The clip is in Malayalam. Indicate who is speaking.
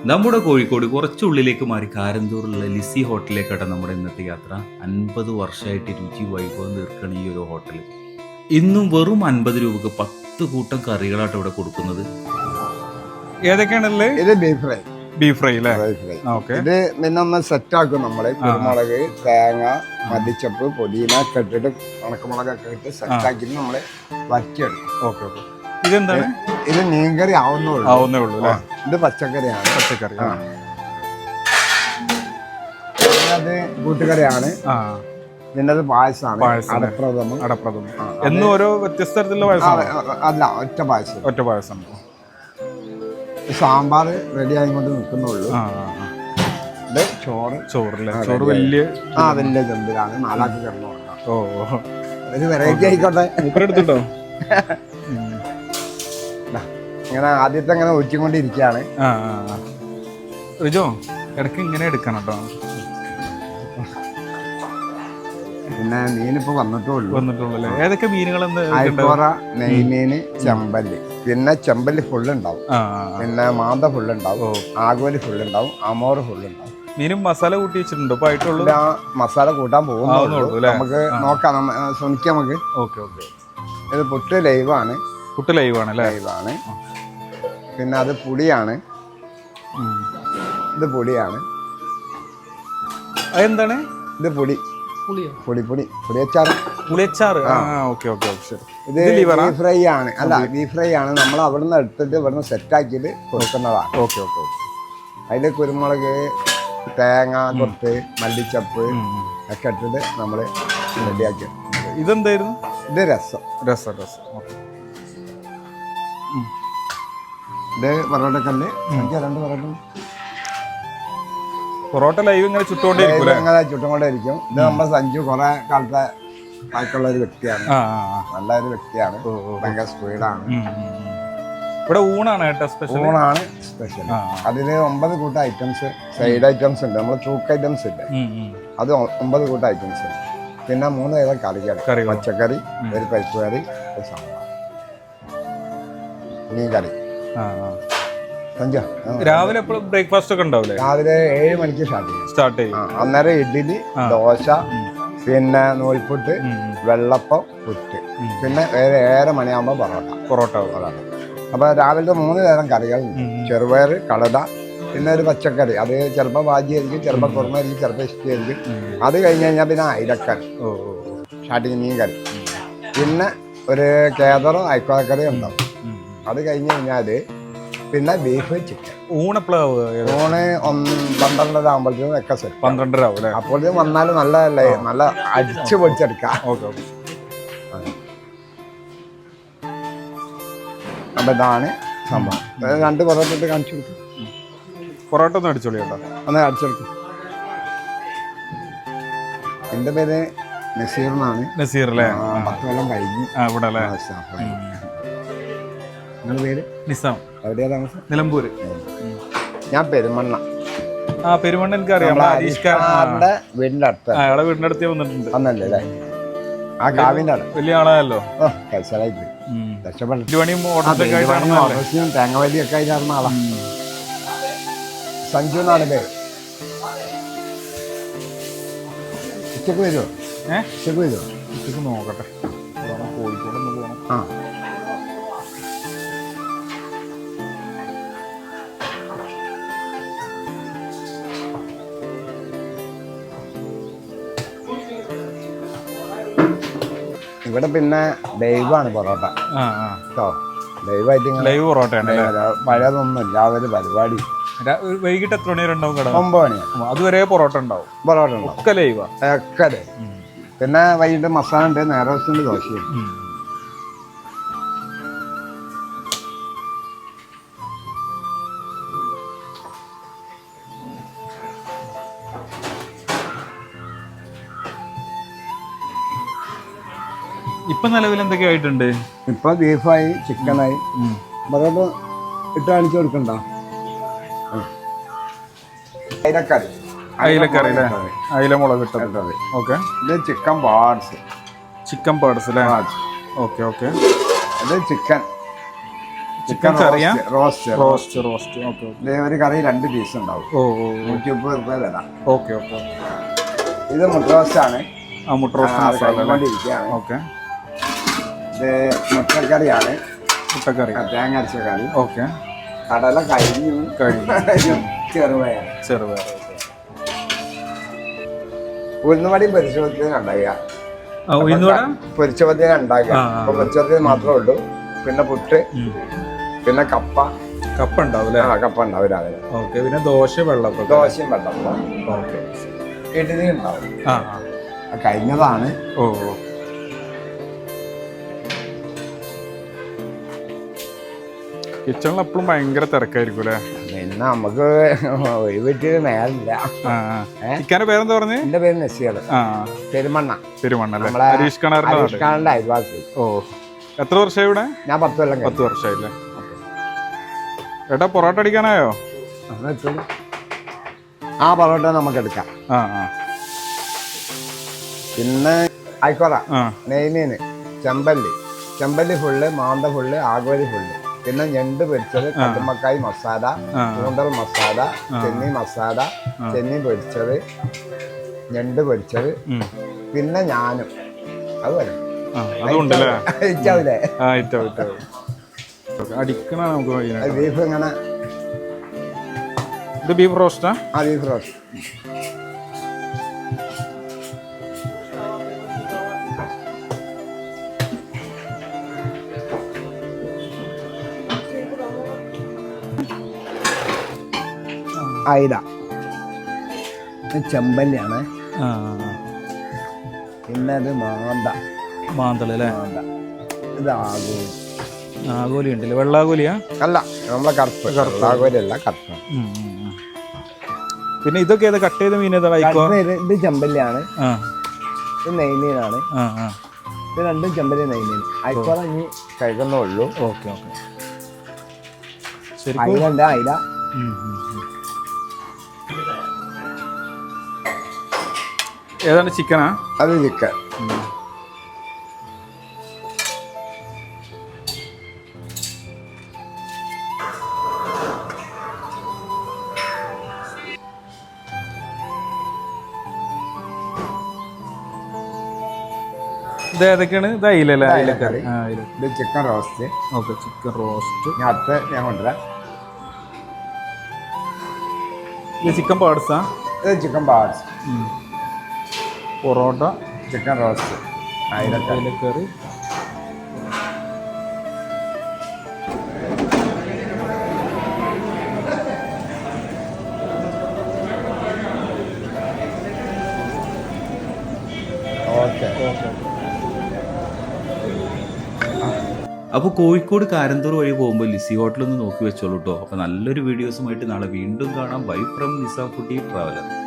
Speaker 1: നമ്മുടെ കോഴിക്കോട് കുറച്ചുള്ളിലേക്ക് മാറി കാരന്തൂറുള്ള ലിസി ഹോട്ടലിലേക്കാണ് നമ്മുടെ ഇന്നത്തെ യാത്ര. 50 വർഷമായിട്ട് രുചി വൈഭവം തീർക്കണ ഈ ഒരു ഹോട്ടൽ ഇന്നും വെറും 50 രൂപക്ക് 10 കൂട്ടം കറികളായിട്ട് ഇവിടെ കൊടുക്കുന്നത്.
Speaker 2: ഏതൊക്കെയാണല്ലേ?
Speaker 3: ഇത് ബീഫ് ഫ്രൈ.
Speaker 2: ബീഫ് ഫ്രൈ അല്ലേ?
Speaker 3: ഇത് പിന്നെ ഒന്ന് സെറ്റ് ആക്കും നമ്മള്. കുരുമുളക്, തേങ്ങ, മല്ലിച്ചപ്പ്, പൊടിയിന ഒക്കെ ഇട്ടിട്ട് ഉണക്കമുളകൊക്കെ ഇട്ട് സെറ്റ് ആക്കി നമ്മള് വറ്റിയെടുക്കും.
Speaker 2: Okay okay. ഇതെന്താണ്?
Speaker 3: ഇത് മീൻകറി ആവുന്നേ ഉള്ളൂ. ഇത് പച്ചക്കറിയാണ്.
Speaker 2: പച്ചക്കറി.
Speaker 3: അത് കൂട്ടുകറിയാണ്. പിന്നെ അത് പായസമാണ്.
Speaker 2: അടപ്രഥമൻ എന്നും ഓരോ വ്യത്യസ്ത തരത്തിലുള്ള പായസം
Speaker 3: അല്ല, ഒറ്റ പായസം.
Speaker 2: ഒറ്റ പായസം.
Speaker 3: സാമ്പാർ റെഡി ആയിക്കൊണ്ട് നിൽക്കുന്നുള്ളൂ. ഇത് ചോറ്
Speaker 2: വലിയ
Speaker 3: ചെമ്പിലാണ്. 4 ആൾക്ക് കിടന്നു കൊടുക്കാം.
Speaker 2: ഓ,
Speaker 3: ഒരു വെറൈറ്റി ആയിക്കോട്ടെ.
Speaker 2: എടുത്തിട്ടോ.
Speaker 3: ഇങ്ങനെ ആദ്യത്തെ ഇങ്ങനെ ഒഴിച്ചുകൊണ്ടിരിക്കുകയാണ്.
Speaker 2: റിജോ, ഇടയ്ക്ക് ഇങ്ങനെ എടുക്കണം കേട്ടോ.
Speaker 3: പിന്നെ മീനിപ്പോ വന്നിട്ടുള്ളൂ.
Speaker 2: ഏതൊക്കെ മീനുകൾ?
Speaker 3: അയക്കോറ, നെയ്മീന്, ചെമ്പല്ലി. പിന്നെ ചെമ്പല്ലി ഫുള്ള് ഉണ്ടാവും. പിന്നെ മാന്ത ഫുള്ള് ഉണ്ടാവും. ആഗോലി ഫുള്ള് ഉണ്ടാവും. അമോറ് ഫുള്ള് ഉണ്ടാവും.
Speaker 2: മീനും മസാല കൂട്ടി വെച്ചിട്ടുണ്ടോ?
Speaker 3: മസാല കൂട്ടാൻ പോകുന്നുള്ളൂ. നമുക്ക് നോക്കാം, ശ്രമിക്കാം നമുക്ക്.
Speaker 2: Okay okay.
Speaker 3: ഇത് പുട്ട് ലൈവാണ്.
Speaker 2: ലൈവാണ്.
Speaker 3: പിന്നെ അത് പുളിയാണ്. ഇത് പൊടിയാണ്.
Speaker 2: അതെന്താണ്?
Speaker 3: ഇത് പുളിയച്ചാറ്. ഇത് ബീഫ് ഫ്രൈ ആണ്. ബീഫ് ഫ്രൈ ആണ്. നമ്മൾ അവിടുന്ന് എടുത്തിട്ട് ഇവിടുന്ന് സെറ്റാക്കിയിട്ട് കൊടുക്കുന്നതാണ്. അതിൽ കുരുമുളക്, തേങ്ങ, കൊത്ത്, മല്ലിച്ചപ്പ് ഒക്കെ ഇട്ടിട്ട് നമ്മൾ റെഡിയാക്കി.
Speaker 2: ഇതെന്തായിരുന്നു?
Speaker 3: ഇത് രസം. ഇത് പൊറോട്ടക്കല്ല്. 2
Speaker 2: പൊറോട്ട ലൈവ് ഇങ്ങനെ
Speaker 3: ചുട്ടുകൊണ്ടേയിരിക്കും. ഇത് നമ്മുടെ സഞ്ജു കുറെ കാലത്തെ ബാക്കിയുള്ള ഒരു വ്യക്തിയാണ്. നല്ലൊരു വ്യക്തിയാണ്. ഭയങ്കര സ്പീഡാണ്.
Speaker 2: ഇവിടെ ഊണാണ്
Speaker 3: സ്പെഷ്യൽ. അതില് 9 കൂട്ടം ഐറ്റംസ്, സൈഡ് ഐറ്റംസ് ഉണ്ട്. നമ്മള് ചൂക്ക് ഐറ്റംസ് ഇല്ല, അത് 9 കൂട്ടം ഐറ്റംസ് ഉണ്ട്. പിന്നെ 3 തരം കറികൾ. പച്ചക്കറി, ഒരു പരിപ്പ് കറി, ഒരു സാമ്പാർ, മീൻ കറി.
Speaker 2: രാവിലെ ബ്രേക്ക്ഫാസ്റ്റ് ഒക്കെ ഉണ്ടാവില്ലേ?
Speaker 3: രാവിലെ 7 മണിക്ക് സ്റ്റാർട്ട് ചെയ്യും. അന്നേരം ഇഡ്ഡലി, ദോശ, പിന്നെ നൂൽപുട്ട്, വെള്ളപ്പം, പുട്ട്. പിന്നെ 7:30 മണിയാകുമ്പോൾ പൊറോട്ട. അപ്പൊ രാവിലത്തെ 3 തരം കറികൾ. ചെറുപയർ, കടല, പിന്നെ ഒരു പച്ചക്കറി. അത് ചിലപ്പോൾ ഭാജിയായിരിക്കും, ചിലപ്പോൾ കുറുമായിരിക്കും, ചിലപ്പോൾ ഇഷ്ടമായിരിക്കും. അത് കഴിഞ്ഞ് കഴിഞ്ഞാൽ പിന്നെ അയിലക്കറി, സ്റ്റാർട്ടിങ് മീൻ കറി. പിന്നെ ഒരു കേദറോ അയക്കോലക്കറിയോ ഉണ്ടാവും. അത് കഴിഞ്ഞ് കഴിഞ്ഞാല് പിന്നെ ബീഫ്, ചിക്കൻ.
Speaker 2: ഊണ്
Speaker 3: 12:30 ആകുമ്പോഴത്തേക്കും ഒക്കെ സെറ്റ്.
Speaker 2: 12:30 ആവും.
Speaker 3: അപ്പോഴത്തേക്കും വന്നാലും നല്ലതല്ലേ, നല്ല അടിച്ചു പൊടിച്ചെടുക്കാം. അപ്പൊ ഇതാണ് സംഭവം. 2 പൊറോട്ട ഇട്ട് കാണിച്ചു കൊടുക്കും.
Speaker 2: പൊറോട്ട ഒന്ന് അടിച്ചോളി കേട്ടോ.
Speaker 3: ഒന്ന് അടിച്ചെടുക്കും. എൻ്റെ പേര് നസീർ എന്നാണ്.
Speaker 2: നസീർ അല്ലേ?
Speaker 3: 10 കൊല്ലം കഴിഞ്ഞു
Speaker 2: ഇവിടെ അല്ലേ?
Speaker 3: നിങ്ങളുടെ പേര്?
Speaker 2: നിസാം.
Speaker 3: എവിടെയാ താമസം?
Speaker 2: നിലമ്പൂര്.
Speaker 3: ഞാൻ പെരുമണ്ണ.
Speaker 2: പെരുമണ്ണ എനിക്കറിയാം.
Speaker 3: വീടിന്റെ അടുത്ത്.
Speaker 2: അയാളെ വീടിന്റെ അടുത്ത് വന്നിട്ടുണ്ട്.
Speaker 3: അന്നല്ലേ അല്ലേ? ആ കാവിന്റെ അവിടെ
Speaker 2: വലിയ ആളായല്ലോ.
Speaker 3: കൈസലായിട്ട് രക്ഷപ്പെട്ടു.
Speaker 2: തേങ്ങ
Speaker 3: വലിയൊക്കെ ആയിരുന്ന ആളാ. സഞ്ജു എന്നാണ് പേര്. ഉച്ചക്ക് വരുമോ?
Speaker 2: ഉച്ചക്ക് നോക്കട്ടെ. കോഴിക്കോട് ഒന്ന് പോകണം.
Speaker 3: ഇവിടെ പിന്നെ ലൈവാണ് പൊറോട്ട കേട്ടോ.
Speaker 2: ലൈവ് പൊറോട്ടയാണ്.
Speaker 3: പഴയതൊന്നുമില്ല. ഒരു പരിപാടി
Speaker 2: വൈകിട്ട് എത്ര മണി വരെ ഉണ്ടാവും?
Speaker 3: 9 മണിയാണ്.
Speaker 2: അതുവരെ പൊറോട്ട ഉണ്ടാവും. ഒക്കെ ലൈവാ.
Speaker 3: പിന്നെ വൈകിട്ട് മസാല ഉണ്ട്, നേരത്തെ ദോശയുണ്ട്.
Speaker 2: ഇപ്പൊ നിലവിൽ എന്തൊക്കെ ആയിട്ടുണ്ട്?
Speaker 3: ഇപ്പൊ ബീഫായി, ചിക്കനായി. പൊറോട്ട ഇട്ട് കാണിച്ചു കൊടുക്കണ്ട. അയിലക്കറി.
Speaker 2: അയില മുളക് ഇട്ടത്. ഓക്കെ.
Speaker 3: ഇത് ചിക്കൻ പാർട്സ്.
Speaker 2: അല്ലേ? Okay okay.
Speaker 3: ഇത് ചിക്കൻ
Speaker 2: ചിക്കൻ കറിയാ
Speaker 3: റോസ്റ്റ്
Speaker 2: റോസ്റ്റ് റോസ്റ്റ് ഓക്കെ
Speaker 3: ഒരു കറി 2 പീസ് ഉണ്ടാവും.
Speaker 2: ഓ
Speaker 3: 130 രൂപ വില.
Speaker 2: Okay okay.
Speaker 3: ഇത് മുട്ട റോസ്റ്റ് ആണ്.
Speaker 2: ആ മുട്ട റോസ്റ്റ് മസാല. ഓക്കെ.
Speaker 3: ഇത് മുട്ടക്കറിയാണ്.
Speaker 2: മുട്ടക്കറി
Speaker 3: തേങ്ങ അരച്ച കറി.
Speaker 2: ഓക്കെ.
Speaker 3: കടല കഴിഞ്ഞു. ചെറുപയർ. ഉഴുന്നുവടയും പൊരിച്ചപത്തിനും ഉണ്ടാകുക. പൊരിച്ചപത്തിനും ഉണ്ടാകുക. അപ്പൊ പൊരിച്ചപത്തിന് മാത്രമേ ഉള്ളൂ. പിന്നെ പുട്ട്, പിന്നെ കപ്പ
Speaker 2: ഉണ്ടാവും.
Speaker 3: കപ്പ ഉണ്ടാവും രാവിലെ.
Speaker 2: ഓക്കെ. പിന്നെ ദോശയും വെള്ളപ്പം.
Speaker 3: ഓക്കെ. ഇഡ്ഡലി ഉണ്ടാവും. കഴിഞ്ഞതാണ്.
Speaker 2: ഓ കിച്ചണിൽ എപ്പോഴും ഭയങ്കര തിരക്കായിരിക്കും അല്ലേ?
Speaker 3: പിന്നെ നമുക്ക് ഒഴിവിട്ട് നേരമില്ല.
Speaker 2: ചിക്കന്റെ പേരെന്താ പറഞ്ഞത്?
Speaker 3: എന്റെ പേര് നസീർ. പെരുമണ്ണ.
Speaker 2: പെരുമണ്ണ ഹരീഷ് കണാറിന്റെ
Speaker 3: അയൽവാസി.
Speaker 2: ഓ എത്ര വർഷമായി ഇവിടെ?
Speaker 3: ഞാൻ 10 കൊല്ലം.
Speaker 2: 10 വർഷമായില്ലേ? ഏട്ടാ പൊറോട്ട അടിക്കാനായോ?
Speaker 3: ആ പൊറോട്ട നമുക്ക് എടുക്കാം. പിന്നെ ആയിക്കോട്ടെ. നെയ്മീന്, ചെമ്പല്ലി ഫുള്ള്, മാന്ത ഫുള്ള്, ആഗോലി ഫുള്ള്. പിന്നെ ഞണ്ട് പൊരിച്ചത്, കല്ലുമ്മക്കായ് മസാല, കൂന്തൽ മസാല, ചെന്നി മസാല, ചെന്നി പൊരിച്ചത്, ഞണ്ട് പൊരിച്ചത്, പിന്നെ ഞാനും അതുപോലെ ബീഫ് ഇങ്ങനെ.
Speaker 2: ഇത് ബീഫ് റോസ്റ്റാ?
Speaker 3: ആ ബീഫ് റോസ്റ്റ്. അയില, ചെമ്പല്ലിയാണ്. പിന്നെ അത്
Speaker 2: മാന്തളല്ലേ?
Speaker 3: ഇത് ആഗോലി.
Speaker 2: ആഗോലി ഉണ്ടല്ലേ? വെള്ളാഗോലിയാ?
Speaker 3: അല്ല, നമ്മളെ കറുപ്പ്. ആഗോലിയല്ല, കറുപ്പ്.
Speaker 2: പിന്നെ ഇതൊക്കെ ഏതാ കട്ട് ചെയ്ത മീൻ?
Speaker 3: ഇത് ചെമ്പല്ലിയാണ്. ഇത് നെയ്മീനാണ്. ഇത് രണ്ടും ചെമ്പല്ലി നെയ്മീൻ. ആയിക്കോട്ടെ, ഇനി കഴിക്കുന്നേ ഉള്ളൂ.
Speaker 2: Okay okay.
Speaker 3: അയില.
Speaker 2: ഏതാണ്? ചിക്കനാ?
Speaker 3: അത് ചിക്കൻ.
Speaker 2: ഇത് ഏതൊക്കെയാണ്? ഇത് അയിലല്ലേ?
Speaker 3: അയിലക്കറി. ഇത് chicken roast.
Speaker 2: Okay. Chicken roast.
Speaker 3: ഞാൻ കൊണ്ടുവരാം.
Speaker 2: ഇത് ചിക്കൻ പാർട്സാ?
Speaker 3: ഇത് chicken parts.
Speaker 2: Parotta,
Speaker 3: chicken roast,
Speaker 2: അയിലക്കറി.
Speaker 1: അപ്പോൾ കോഴിക്കോട് കാരന്തൂർ വഴി പോകുമ്പോൾ ലിസി ഹോട്ടലൊന്ന് നോക്കി വെച്ചോളൂ കേട്ടോ. അപ്പോൾ നല്ലൊരു വീഡിയോസുമായിട്ട് നാളെ വീണ്ടും കാണാം. Bye from Nisa foodie traveller.